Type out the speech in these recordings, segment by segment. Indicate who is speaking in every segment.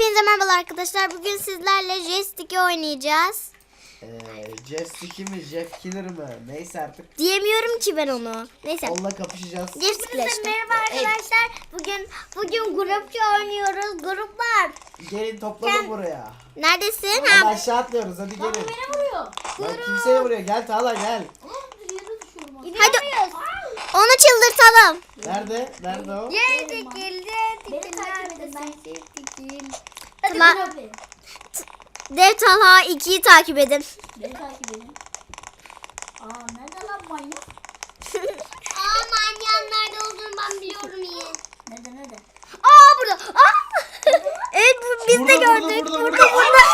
Speaker 1: Hepinize merhaba arkadaşlar. Bugün sizlerle J-Stick'i oynayacağız.
Speaker 2: J-Stick'i mi, Jeff Killer mi? Neyse artık.
Speaker 1: Diyemiyorum ki ben onu. Neyse.
Speaker 2: Onunla kapışacağız.
Speaker 1: J-Stick'le işte.
Speaker 3: Merhaba arkadaşlar. Bugün grupça oynuyoruz. Gruplar.
Speaker 2: Gelin toplanın buraya.
Speaker 1: Neredesin?
Speaker 2: Hadi
Speaker 1: Ha?
Speaker 2: aşağı atlıyoruz, hadi gelin.
Speaker 3: Beni vuruyor.
Speaker 2: Bak kimseye vuruyor, gel Tağla gel.
Speaker 1: Hadi onu çıldırtalım.
Speaker 2: Nerede? Nerede o?
Speaker 3: Beni takip edin. Ben Hadi
Speaker 1: Tamam.
Speaker 3: beni
Speaker 1: Dev Talha 2'yi takip edin.
Speaker 3: takip edin. Nerede lan manyak?
Speaker 1: Manyağın nerede olduğunu ben biliyorum iyi.
Speaker 3: Nerede?
Speaker 1: Burada. Evet biz de
Speaker 2: Burada,
Speaker 1: gördük.
Speaker 2: burada.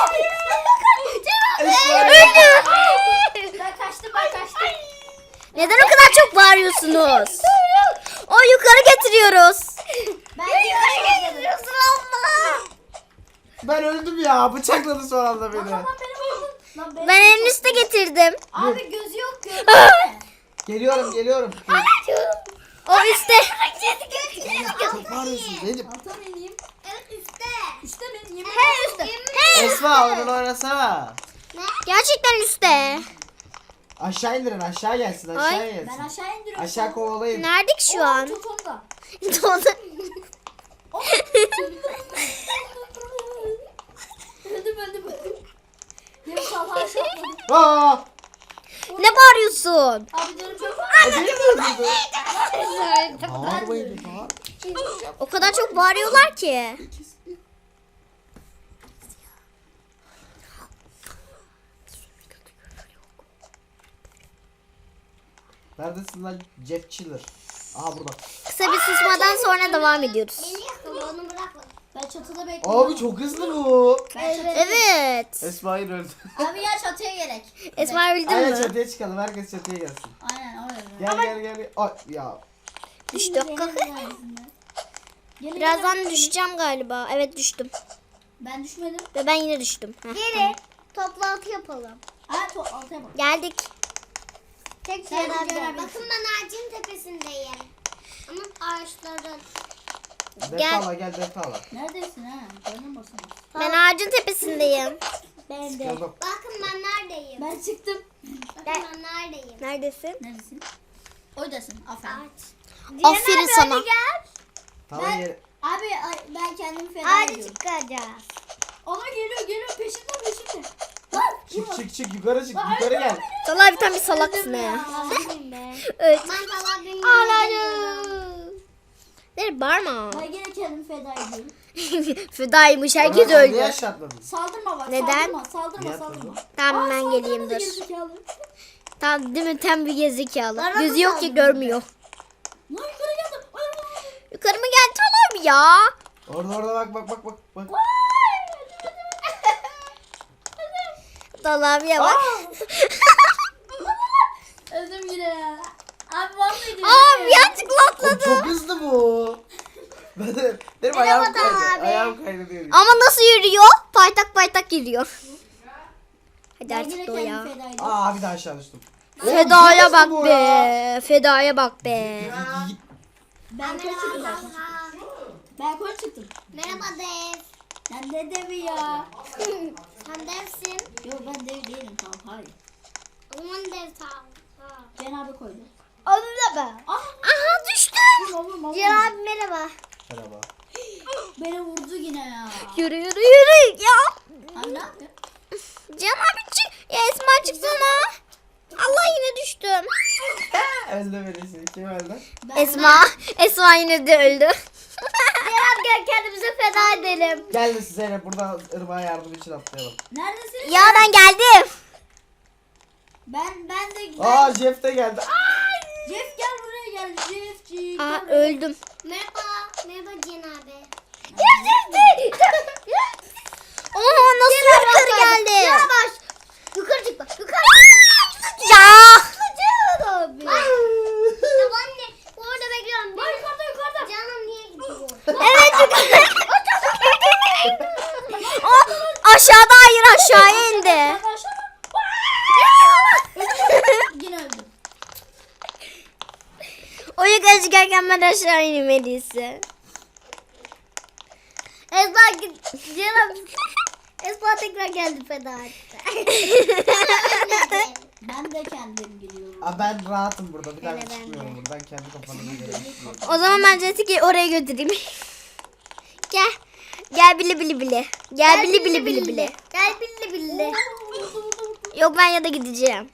Speaker 3: Ben kaçtım.
Speaker 1: Neden o kadar çok bağırıyorsunuz? O yukarı getiriyoruz.
Speaker 3: Ben yukarı getiriyorsun abla.
Speaker 2: Ben öldüm ya, bıçakladı son anda beni.
Speaker 3: Lan beni vurdun. Lan beni
Speaker 1: Ben en üste getirdim.
Speaker 3: Abi gözü yok gözü.
Speaker 2: Geliyorum.
Speaker 1: O üstte.
Speaker 2: Çok bağırıyorsun Zeynep.
Speaker 3: Alta mı ineyim?
Speaker 1: Evet üstte.
Speaker 3: Üste mi? Yemin
Speaker 1: Üstte.
Speaker 2: Esma onu oynasana.
Speaker 1: Gerçekten üstte.
Speaker 2: Aşağı indirin, aşağı gelsin,
Speaker 1: Ay.
Speaker 2: aşağı
Speaker 3: Ben
Speaker 2: gelsin.
Speaker 3: aşağı indiriyorum.
Speaker 2: Aşağı kovalayın.
Speaker 1: Nerede ki şu an?
Speaker 3: Tut onu da. Öldüm. Yok Talha aşağı atladım.
Speaker 2: Aa!
Speaker 1: Ne bağırıyorsun?
Speaker 3: Abi canım çok
Speaker 2: Beni mi öldürdü? Bağırmayın, bağır.
Speaker 1: O kadar çok bağırıyorlar ki.
Speaker 2: Neredesin lan Jeff Killer? Aha burada.
Speaker 1: Kısa bir susmadan sonra devam ediyoruz.
Speaker 3: Ben çatıda bekliyorum.
Speaker 2: Abi çok hızlı bu.
Speaker 3: Ben çatıda
Speaker 1: Evet.
Speaker 2: Esma'yı öldü.
Speaker 3: Abi ya çatıya gerek.
Speaker 1: Esma öldü
Speaker 2: Aynen
Speaker 1: mü?
Speaker 2: çatıya çıkalım. Herkes çatıya gelsin.
Speaker 3: Aynen oraya.
Speaker 2: Gel. Ay ya.
Speaker 1: Düştü. Birazdan düşeceğim galiba. Evet düştüm.
Speaker 3: Ben düşmedim.
Speaker 1: Ve ben yine düştüm. Heh,
Speaker 3: Geri.
Speaker 1: tamam.
Speaker 3: Toplantı yapalım. Altıya bak.
Speaker 1: Geldik.
Speaker 3: Tek
Speaker 1: Sen
Speaker 3: şeyler
Speaker 1: bakın
Speaker 3: ben ağacın tepesindeyim. Ama ağaçların.
Speaker 2: Defala gel defala.
Speaker 3: Neredesin ha? Canım basın.
Speaker 1: Ben ağacın tepesindeyim.
Speaker 3: Ben
Speaker 2: Çıkalım.
Speaker 1: Bakın ben neredeyim?
Speaker 3: Ben çıktım.
Speaker 1: Ben neredeyim? Neredesin?
Speaker 3: Neredesin? Oradasın. Aferin.
Speaker 1: Aferin sana.
Speaker 2: Tamam yere.
Speaker 3: Abi ben kendimi feda ediyorum.
Speaker 1: çıkacağız.
Speaker 3: Ona geliyor peşinden. Lan
Speaker 2: Çık yukarı çık yukarı gel.
Speaker 1: Talha bir tane bir salaksın ya. Evet. Ağladım. Nereye bağırma.
Speaker 3: Ben yine kendimi feda ediyorum.
Speaker 1: Fedaymış herkes
Speaker 2: Orhan, sen
Speaker 1: öldü.
Speaker 2: Niye aşağı atladın?
Speaker 3: Saldırma bak.
Speaker 1: Neden?
Speaker 3: Saldırma.
Speaker 2: Niye atladın?
Speaker 1: Tamam ben
Speaker 3: saldırma
Speaker 1: geleyim
Speaker 3: da
Speaker 1: dur.
Speaker 3: gerizekalı.
Speaker 1: Tamam değil mi? Tam bir gerizekalı.
Speaker 3: Bana
Speaker 1: Gözü
Speaker 3: mı
Speaker 1: yok ki
Speaker 3: saldırdın?
Speaker 1: görmüyor.
Speaker 3: Lan yukarı geldim.
Speaker 1: Yukarı mı geldi Talha ya?
Speaker 2: Orada bak.
Speaker 1: Talha abiye bak.
Speaker 3: Öldüm yine ya. Abi mahvediyor.
Speaker 1: Abi yanlışlıkla
Speaker 2: Oğlum
Speaker 1: atladı.
Speaker 2: çok hızlı bu. Benim ayağım kaydı. Ayağım kaydı diyor.
Speaker 1: Ama nasıl yürüyor? Paytak yürüyor. Hadi
Speaker 3: Ben yine
Speaker 1: artık o
Speaker 3: kendimi
Speaker 1: ya.
Speaker 3: feda ediyorum.
Speaker 2: Aa bir daha aşağı düştüm. Oğlum,
Speaker 1: Fedaya
Speaker 2: çok
Speaker 1: bak
Speaker 2: hızlı bu ya.
Speaker 1: be. Fedaya bak be.
Speaker 3: Ben yukarı çıktım zaten. Ben yukarı çıktım.
Speaker 1: Merhaba Dev.
Speaker 3: Sen ne devi ya?
Speaker 1: Sen devsin.
Speaker 3: Yok ben dev değilim tamam hayır.
Speaker 1: Aman Dev tamam.
Speaker 3: Cen abi koydu.
Speaker 1: Onu da ben.
Speaker 3: Ah
Speaker 1: Aha düştüm.
Speaker 3: vurma.
Speaker 1: Cihan abi merhaba.
Speaker 2: Merhaba.
Speaker 3: Beni vurdu yine ya.
Speaker 1: Yürü ya.
Speaker 3: Abi ne yapıyor?
Speaker 1: Cihan abi çık. Ya Esma çıksana. Allah yine düştüm.
Speaker 2: Öldü birisi. Kim öldü?
Speaker 1: Esma yine de öldü. Cihan abi gel kendimize feda edelim.
Speaker 2: Gel de size burada ırmağa yardım için atlayalım.
Speaker 3: Neredesiniz?
Speaker 1: Ya ben geldim.
Speaker 3: Ben de
Speaker 2: Aa Jeff de geldi.
Speaker 3: Jeff gel buraya gel Jeffcik.
Speaker 1: Aa öldüm.
Speaker 4: Merhaba Cihan abi.
Speaker 1: Oha nasıl yukarı geldi?
Speaker 4: Yavaş. Yukarı çık bak. Yukarı.
Speaker 1: Ya.
Speaker 4: Cihan abi. Ya anne orada bekliyorum.
Speaker 3: Bak yukarıda.
Speaker 4: Canım niye gidiyor?
Speaker 1: Evet yukarı. Aşağıda hayır aşağıya indi.
Speaker 3: Yine öldüm.
Speaker 1: O yukarı çıkarken ben aşağı inmeliyse. Esma Ceren Esma tekrar geldi feda etti.
Speaker 3: Ben de kendim geliyorum.
Speaker 2: Aa, ben rahatım burada. Bir daha
Speaker 1: Hele ben
Speaker 2: çıkmıyorum
Speaker 1: de.
Speaker 2: buradan. Kendi kafamı göre.
Speaker 1: O zaman ben Jessica'yı oraya götüreyim. Gel. Gel bili bili bili. Gel bili bili bili bili. Gel bili bili. Yok ben ya da gideceğim.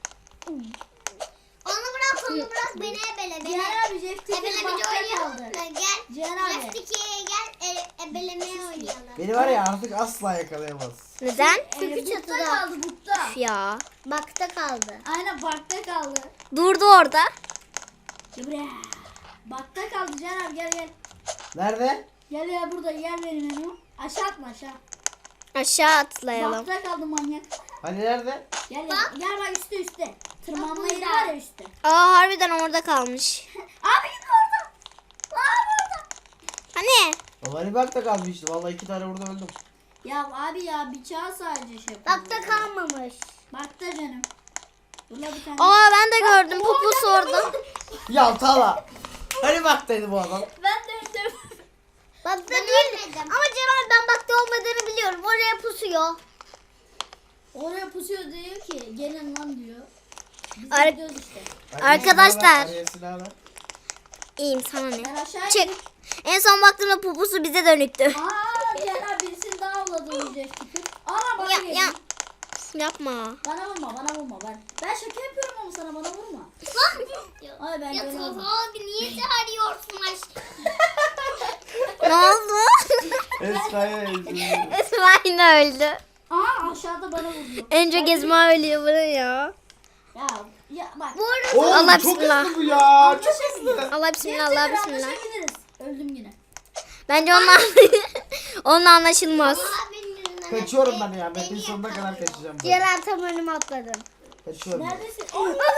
Speaker 4: Onu bırak beni ebele beni.
Speaker 3: Cihan abi Jeff Tick'in
Speaker 4: Ebelemeci
Speaker 3: bakta
Speaker 4: oynayalım
Speaker 3: kaldı.
Speaker 4: mı? Gel.
Speaker 3: Cihan abi.
Speaker 4: Plastikiye gel ebelemeye oynayalım.
Speaker 2: Beni var ya artık asla yakalayamaz.
Speaker 1: Neden?
Speaker 3: Çünkü
Speaker 4: bukta
Speaker 3: çatıda
Speaker 4: kaldı,
Speaker 3: kaldı bukta.
Speaker 1: Ya.
Speaker 4: Bakta kaldı.
Speaker 3: Aynen bakta kaldı.
Speaker 1: Durdu orada.
Speaker 3: Gel buraya. Bakta kaldı Cihan abi gel.
Speaker 2: Nerede?
Speaker 3: Gel ya burada yer verin onu. Aşağı atma aşağı.
Speaker 1: Aşağı atlayalım.
Speaker 3: Bakta kaldı manyak.
Speaker 2: Hani nerede?
Speaker 3: Gel bak üstte. Tırmanma yeri var ya üstte.
Speaker 1: Aa harbiden orada kalmış.
Speaker 3: Abi git orada. Abi orada.
Speaker 1: Hani?
Speaker 2: Ama hani bakta kalmıştı. Vallahi 2 tane burada öldüm.
Speaker 3: Ya abi ya bıçağı sadece şey yapıyor.
Speaker 4: Bakta kalmamış.
Speaker 3: Bakta canım. Burada bir tane.
Speaker 1: Aa ben de gördüm. Pupusu orada.
Speaker 2: Ya Tala. Hani baktaydı bu adam?
Speaker 3: Ben de öldüm.
Speaker 4: Bakta değil. Ama Ceren ben bakta olmadığını biliyorum. Oraya pusuyor.
Speaker 3: Oraya pusuyor diyor ki gelin lan diyor. Biz de
Speaker 1: Ar-
Speaker 3: gidiyoruz işte.
Speaker 1: Arkadaşlar.
Speaker 2: Arayasını
Speaker 1: İyiyim sana ne?
Speaker 3: Ben aşağı
Speaker 1: Çık. En son baktığımda pupusu bize dönüktü.
Speaker 3: Aa Ceren birisini daha avladı Jeff Tick'in. Aa bana
Speaker 1: Ya,
Speaker 3: geliyor.
Speaker 1: ya. Yapma.
Speaker 3: Bana vurma ben. Ben şaka yapıyorum ama sana bana vurma. Ay ben
Speaker 4: Ya
Speaker 3: görmedim.
Speaker 4: Tolga abi niye çağırıyorsun aşkım?
Speaker 1: Ne oldu?
Speaker 2: Esra'ya ezdim.
Speaker 1: Esma yine öldü.
Speaker 3: Aa aşağıda bana vuruyor.
Speaker 1: En çok Esma ölüyor bana ya.
Speaker 3: Ya bak.
Speaker 4: Bu arada
Speaker 2: Oğlum
Speaker 1: Allah
Speaker 2: çok
Speaker 1: bismillah.
Speaker 2: hızlı bu ya. Çok hızlı.
Speaker 1: Allah bismillah Allah bismillah.
Speaker 3: Anlaşabiliriz. Öldüm yine.
Speaker 1: Bence onunla, onunla anlaşılmaz.
Speaker 4: abinin yüzünden
Speaker 2: Kaçıyorum ben ya. Ben
Speaker 4: beni
Speaker 2: bir sonuna kadar
Speaker 4: yakalıyor.
Speaker 2: kaçacağım. ben.
Speaker 1: Ceren tam önüme atladım.
Speaker 2: Kaçıyorum.
Speaker 3: Neredesin?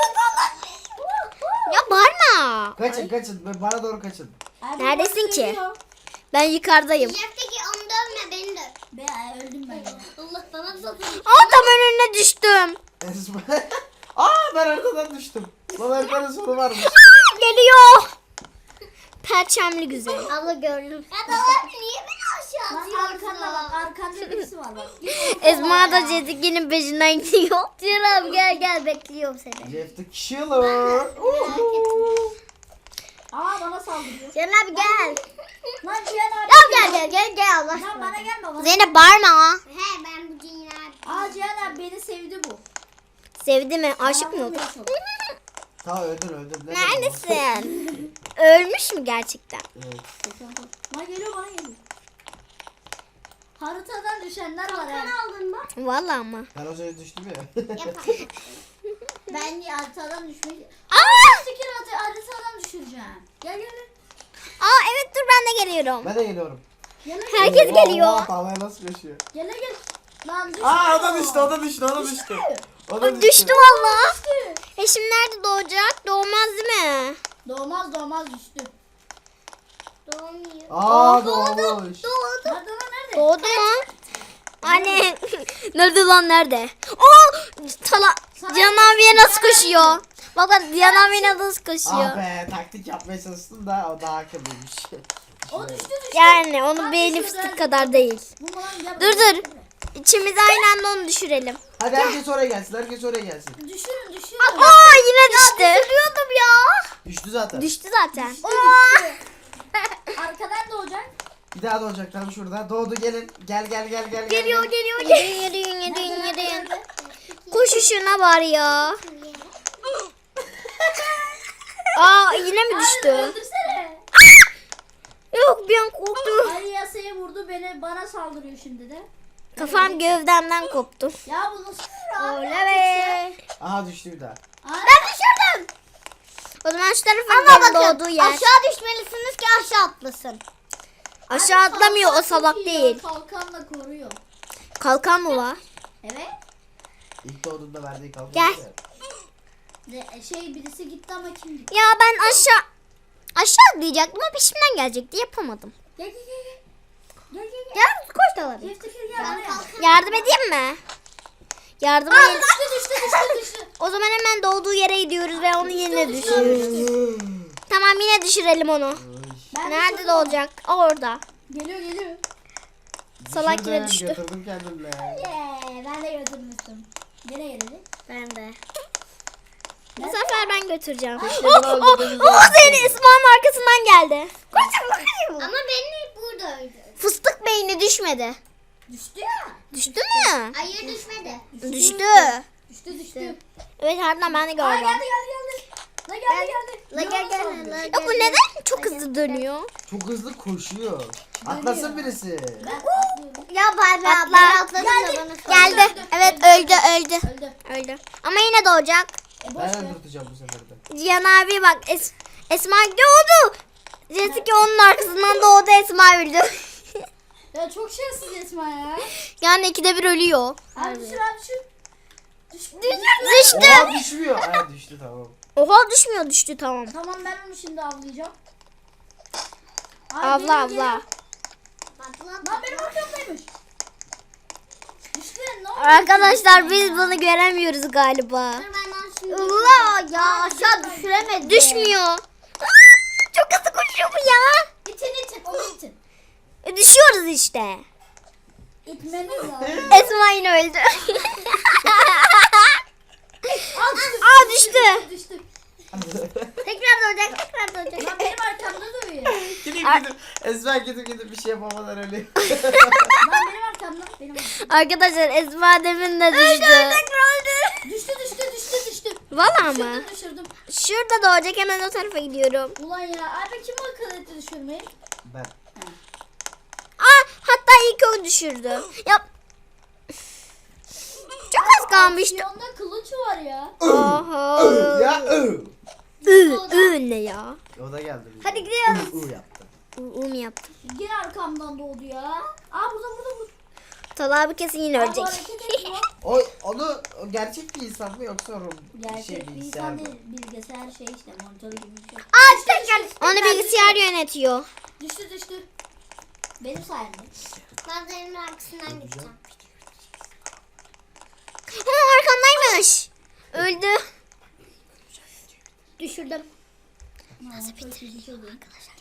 Speaker 1: Ya bağırma.
Speaker 2: Kaçın. Bana doğru kaçın.
Speaker 3: Abi,
Speaker 1: Neredesin
Speaker 3: bak
Speaker 1: ki?
Speaker 3: geliyor.
Speaker 1: Ben yukarıdayım.
Speaker 4: Jefteki onu dövme beni döv.
Speaker 3: Ben öldüm ben yine.
Speaker 4: Allah bana satın.
Speaker 1: Aa tam önüne düştüm.
Speaker 2: Esma. Aa ben arkadan düştüm. Lan arkanın sonu varmış.
Speaker 1: Geliyor. Perçemli güzel.
Speaker 4: Abla gördüm. Ya da abi niye beni aşağı
Speaker 3: Lan arkanda bak.
Speaker 4: atıyorsun?
Speaker 3: Arkanda birisi var bak. Git onu
Speaker 1: Esma
Speaker 3: kovala
Speaker 1: da
Speaker 3: ya.
Speaker 1: Cezik'in peşinden gidiyor.
Speaker 4: Ceren gel bekliyorum seni.
Speaker 2: Jeff the Killer.
Speaker 3: Aa bana saldırıyor.
Speaker 4: Ceren abi gel.
Speaker 3: Lan Cihan abi.
Speaker 4: Gel Allah
Speaker 3: Lan
Speaker 4: aşkına.
Speaker 3: bana gelme bana.
Speaker 1: Zeynep bağırma.
Speaker 4: He ben bu Ceren abi.
Speaker 3: Aa Cihan abi beni sevdi bu.
Speaker 1: Sevdi mi? Aşık mı
Speaker 3: Bana
Speaker 1: oldu?
Speaker 3: vuruyor çok.
Speaker 2: Tamam öldün.
Speaker 1: Neredesin? Ölmüş mü gerçekten?
Speaker 2: Evet.
Speaker 3: Lan geliyor bana geliyor. Haritadan düşenler var
Speaker 4: Sen
Speaker 3: ha.
Speaker 4: aldın mı?
Speaker 1: Vallahi ama.
Speaker 2: Ben o sırada düştüm ya.
Speaker 4: Yapalım.
Speaker 3: Ben haritadan düşmek.
Speaker 1: Aa!
Speaker 3: Fikir haritadan düşüreceğim. Gel.
Speaker 1: Aa evet dur ben de geliyorum.
Speaker 2: Ben de geliyorum.
Speaker 3: Gel.
Speaker 1: Herkes geliyor.
Speaker 2: Oha, tavaya nasıl koşuyor?
Speaker 3: Gel. Lan düştü.
Speaker 2: Aa o da düştü. O da düştü. O da
Speaker 1: Düştü valla. Eşim nerede doğacak? Doğmaz değil mi?
Speaker 3: Doğmaz düştü.
Speaker 4: Doğmuyor.
Speaker 2: Aa doğmuş.
Speaker 3: Nerede lan nerede?
Speaker 1: Doğdu mu? Anne. Nerede lan nerede? Oo! Cihan abiye nasıl koşuyor? Bak Cihan abiye nasıl koşuyor?
Speaker 2: Ah be taktik yapmaya çalıştım da o daha akıllıymış.
Speaker 3: O düştü.
Speaker 1: Yani onun
Speaker 3: Tam
Speaker 1: beyni
Speaker 3: düşürdü,
Speaker 1: fıstık
Speaker 3: hadi.
Speaker 1: kadar değil.
Speaker 3: Bu lan gel.
Speaker 1: Dur dur. İçimize aynı anda onu düşürelim.
Speaker 2: Hadi herkes oraya gelsin.
Speaker 3: Düşürün.
Speaker 1: Aa yine düştü. Düşürüyordum ya.
Speaker 2: Düştü zaten.
Speaker 1: Düştü zaten.
Speaker 3: Düştü. Arkadan doğacak.
Speaker 2: Bir daha doğacak tam şurada. Doğdu gelin. Gel.
Speaker 1: Geliyor. Yürüyün. Koşuşuna var ya. Aa yine mi düştü?
Speaker 3: Öldürsene.
Speaker 1: Yok bir an korktum.
Speaker 3: Ali yasaya vurdu bana saldırıyor şimdi de.
Speaker 1: Kafam gövdemden koptu.
Speaker 3: Ya bu nasıl bir
Speaker 1: Öyle be.
Speaker 2: Aha düştü bir daha.
Speaker 1: Ben düşürdüm. O zaman şu tarafa gidelim doğduğu yer.
Speaker 4: Aşağı düşmelisiniz ki aşağı atlasın.
Speaker 1: Aşağı atlamıyor o salak değil.
Speaker 3: Kalkanla koruyor.
Speaker 1: Kalkan mı var?
Speaker 3: Evet.
Speaker 2: İlk doğduğunda verdiği kaldı.
Speaker 1: Gel.
Speaker 3: Birisi gitti ama kim gitti?
Speaker 1: Ya ben aşağı atlayacaktım ama peşimden gelecekti yapamadım.
Speaker 3: Gel.
Speaker 1: Gel koş da alabilir.
Speaker 3: Deftekir gel buraya.
Speaker 1: Yardım edeyim mi? Yardım edeyim.
Speaker 3: Düştü.
Speaker 1: O zaman hemen doğduğu yere gidiyoruz ve onu yine düşürüyoruz. Tamam yine düşürelim onu.
Speaker 3: Ben
Speaker 1: Nerede
Speaker 3: düşürdüm.
Speaker 1: doğacak? Orada.
Speaker 3: Geliyor.
Speaker 1: Salak yine düştü.
Speaker 2: Götürdüm kendimle.
Speaker 3: Ben de götürmüştüm. Nereye geldi?
Speaker 1: Ben de. Bu sefer ben götüreceğim.
Speaker 2: İşte bunu öldürdüğümüzde
Speaker 1: Seni İsmail'in arkasından geldi. Koşun.
Speaker 4: Ama beni burada öldürdü.
Speaker 1: Fıstık beyni düşmedi.
Speaker 3: Düştü ya.
Speaker 1: Düştü mü?
Speaker 4: Hayır düşmedi.
Speaker 1: Düştü.
Speaker 3: Düştü.
Speaker 1: Evet harbiden ben de
Speaker 3: Aa
Speaker 1: gördüm.
Speaker 3: geldi. La geldi.
Speaker 4: La gel la
Speaker 1: Ya bu neden çok hızlı dönüyor?
Speaker 2: Çok hızlı koşuyor. Atlasın birisi.
Speaker 3: Ben atlıyorum.
Speaker 4: Ya bay
Speaker 1: Atla.
Speaker 4: atladım da bana sor.
Speaker 1: Geldi. Evet öldü.
Speaker 3: Öldü.
Speaker 1: Öldü. Ama yine doğacak.
Speaker 3: Boş
Speaker 2: Ben
Speaker 3: ver.
Speaker 2: öldürteceğim bu sefer de.
Speaker 1: Cihan abi bak Esma doğdu. Jessica onun arkasından doğdu, Esma öldü.
Speaker 3: Ya çok şanssız Esma ya.
Speaker 1: Yani ikide bir ölüyor.
Speaker 3: Abi düşür abi düşür.
Speaker 1: Düştü.
Speaker 2: Oha düşmüyor. Ay düştü tamam.
Speaker 1: Oha düşmüyor, düştü tamam.
Speaker 3: Tamam ben onu şimdi avlayacağım. Abi,
Speaker 1: Abla
Speaker 3: geliyor,
Speaker 1: abla.
Speaker 3: geliyor. Lan benim arkamdaymış. İşte ne oldu?
Speaker 1: Arkadaşlar biz bunu göremiyoruz galiba.
Speaker 4: Allah ya aşağı düşüremedi.
Speaker 1: Düşmüyor. Aa, çok hızlı koşuyor bu ya.
Speaker 3: İtin onu itin.
Speaker 1: Düşüyoruz işte.
Speaker 3: İtmeniz lazım.
Speaker 1: Esma yine öldü. Aa düştü.
Speaker 3: Düştü.
Speaker 4: Tekrar doğacak.
Speaker 3: Lan benim arkamda duruyor.
Speaker 2: Gidip Esma gidip bir şey yapamadan ölüyor.
Speaker 3: Lan benim arkamda.
Speaker 1: Arkadaşlar Esma demin de düştü.
Speaker 3: Düştü.
Speaker 1: Valla mı?
Speaker 3: Düşürdüm.
Speaker 1: Şurada doğacak, hemen o tarafa gidiyorum.
Speaker 3: Ulan ya abi kim akıl etti düşürmeyi?
Speaker 2: Ben.
Speaker 1: Aa hatta ilk o düşürdü. Yap. Çok az kalmıştı.
Speaker 3: Aksiyonda kılıç var ya.
Speaker 1: Oha.
Speaker 2: Ya
Speaker 1: Ne ya?
Speaker 2: O da geldi. bize.
Speaker 4: Hadi gidiyoruz.
Speaker 2: Yaptı.
Speaker 1: Um yaptı.
Speaker 3: Yine arkamdan doğdu ya. Aa burada.
Speaker 1: Talha abi kesin yine
Speaker 3: Abi
Speaker 1: ölecek.
Speaker 3: hareket ediyor.
Speaker 2: O gerçek bir insan mı yoksa
Speaker 3: Gerçek bir
Speaker 2: bilgisayar
Speaker 3: insan
Speaker 2: mı?
Speaker 3: değil. Bilgisayar şey işte monitör gibi bir şey.
Speaker 4: Aa tekrar.
Speaker 1: Onu bilgisayar yönetiyor.
Speaker 3: Düştü. Benim sayemde.
Speaker 4: Ben senin arkasından gideceğim.
Speaker 1: Ha, arkamdaymış. Öldü.
Speaker 3: Düşürdüm.
Speaker 1: Nasıl bitti?
Speaker 3: Arkadaşlar.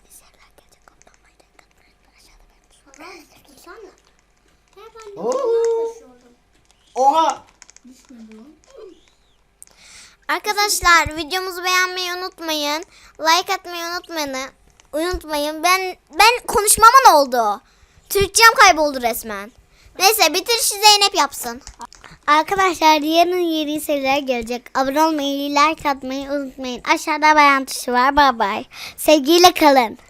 Speaker 4: Tutsana. Ben de
Speaker 2: Oo.
Speaker 4: koşuyordum.
Speaker 2: Oha!
Speaker 3: Düşmedi o.
Speaker 1: Arkadaşlar videomuzu beğenmeyi unutmayın. Like atmayı unutmayın. Ben konuşmama ne oldu? Türkçem kayboldu resmen. Neyse bitirişi Zeynep yapsın. Arkadaşlar yarın yeni seriler gelecek. Abone olmayı, like atmayı unutmayın. Aşağıda beğen tuşu var. Bye bye. Sevgiyle kalın.